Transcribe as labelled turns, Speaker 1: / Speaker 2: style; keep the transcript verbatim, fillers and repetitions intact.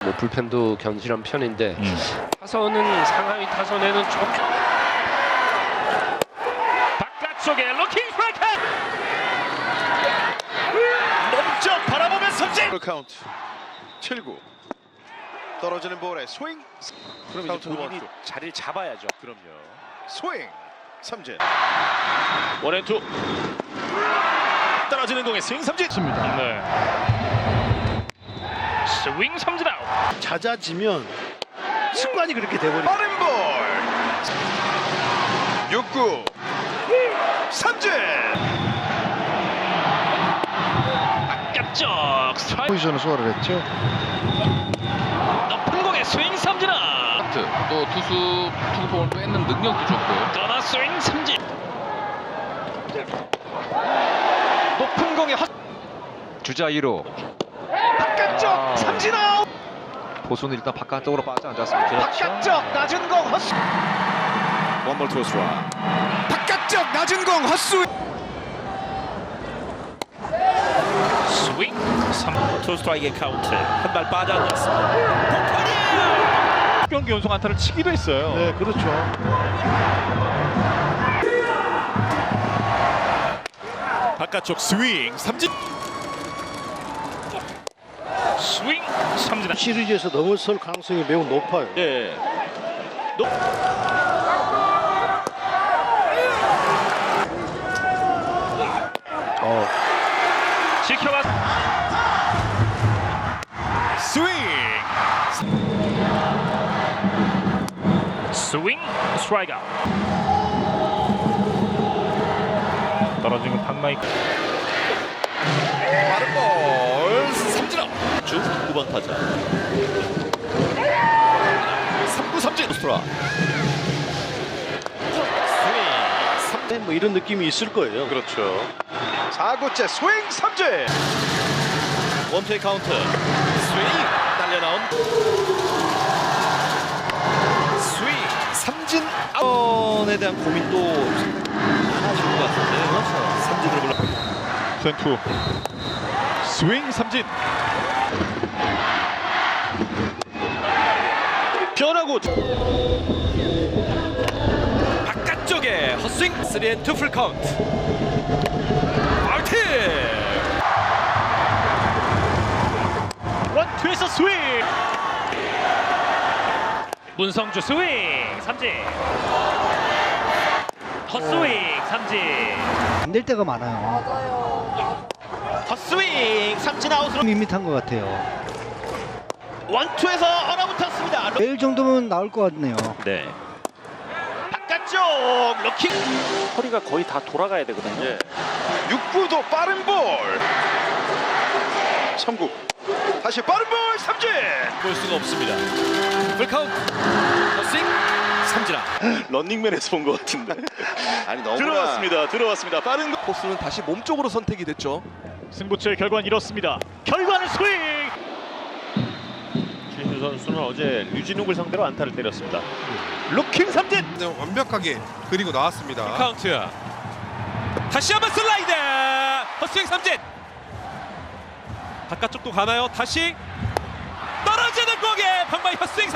Speaker 1: 뭐 불펜도 견실한 편인데
Speaker 2: 음.
Speaker 1: 타선은 상하이 타선에는 좀
Speaker 2: 바깥쪽에 로킹 스트라이크 멈춰 바라보면 삼진.
Speaker 3: 카운트 칠 구 떨어지는 볼에 스윙.
Speaker 2: 그럼 이제 본인이 자리를 잡아야죠.
Speaker 3: 그럼요. 스윙 삼진.
Speaker 2: 원앤투 떨어지는 공에 스윙 삼진. 네. 스윙 삼진 아웃.
Speaker 4: 잦아지면 습관이 그렇게 돼버리죠.
Speaker 3: 빠른 볼 육 구 삼진.
Speaker 2: 바깥쪽 스트라이크.
Speaker 4: 포지션을 소화를 했죠.
Speaker 2: 높은 공에 스윙 삼진 아웃.
Speaker 5: 또 투수 투구폼을 뺏는 능력도 좋고요.
Speaker 2: 떠나 스윙 삼진. 높은 공에 헛.
Speaker 5: 주자 일 호.
Speaker 2: 바깥쪽
Speaker 5: 아.
Speaker 2: 삼진 아웃.
Speaker 5: 보수는 일단 바깥쪽으로 빠져 앉았습니다.
Speaker 2: 바깥쪽 낮은 공 헛스.
Speaker 3: 원볼 투수와 바깥쪽 낮은 공 헛스윙.
Speaker 2: 스윙 삼. 투 스트라이크의 카운트. 한 발 빠져 앉았습니다. 경기 연속 안타를 치기도 했어요.
Speaker 4: 네, 그렇죠.
Speaker 2: 바깥쪽 스윙 삼진. 스윙 삼진.
Speaker 4: 시리즈에서 넘어설 가능성이 매우 높아요.
Speaker 2: 네. 높.
Speaker 4: 어.
Speaker 2: 지켜봤. 스윙. 스윙 스트라이크 아웃. 떨어진 건 방망이.
Speaker 3: 빠른 볼 삼진 아웃.
Speaker 2: 주 구 번 타자. 삼 구 삼진. 스트라. 스윙.
Speaker 4: 네, 뭐 이런 느낌이 있을 거예요.
Speaker 3: 그렇죠. 사 구째 스윙 삼진.
Speaker 2: 원투의 카운트. 스윙 딸려 나온. 스윙 삼진 아웃에 대한 고민도 하실 것 같은데. 그렇죠. 삼진으로 불러. 투앤투. 스윙 삼진. 변하고 바깥쪽에 헛스윙. 쓰리 앤 투 풀 카운트. 아웃. 원투에서 스윙. 문성주 스윙 삼진. 헛스윙 삼진.
Speaker 6: 안 될 때가 많아요.
Speaker 2: 헛스윙 삼진 아웃으로.
Speaker 6: 밋밋한 것 같아요.
Speaker 2: 원투에서 얼어붙었습니다.
Speaker 6: 내일 정도면 나올 것 같네요.
Speaker 2: 네. 바깥쪽 로킹. 허리가 거의 다 돌아가야 되거든요.
Speaker 3: 예. 육 구도 빠른 볼. 삼 구 다시 빠른 볼 삼진.
Speaker 2: 볼 수가 없습니다. 풀카운트. 헛스윙 삼진 아웃.
Speaker 3: 런닝맨에서 본 것 같은데. 아니 너무나
Speaker 2: 들어왔습니다. 들어왔습니다. 빠른 거.
Speaker 7: 코스는 다시 몸쪽으로 선택이 됐죠.
Speaker 2: 승부처의 결과는 이렇습니다. 결과는 스윙. 최신수 선수는 어제 류진욱을 상대로 안타를 때렸습니다. 루킹 삼진.
Speaker 7: 네, 완벽하게 그리고 나왔습니다.
Speaker 2: 카운트. 다시 한번 슬라이드. 헛스윙 삼진. 바깥쪽도 가나요? 다시 떨어지는 공에 방망이 헛스윙 삼진.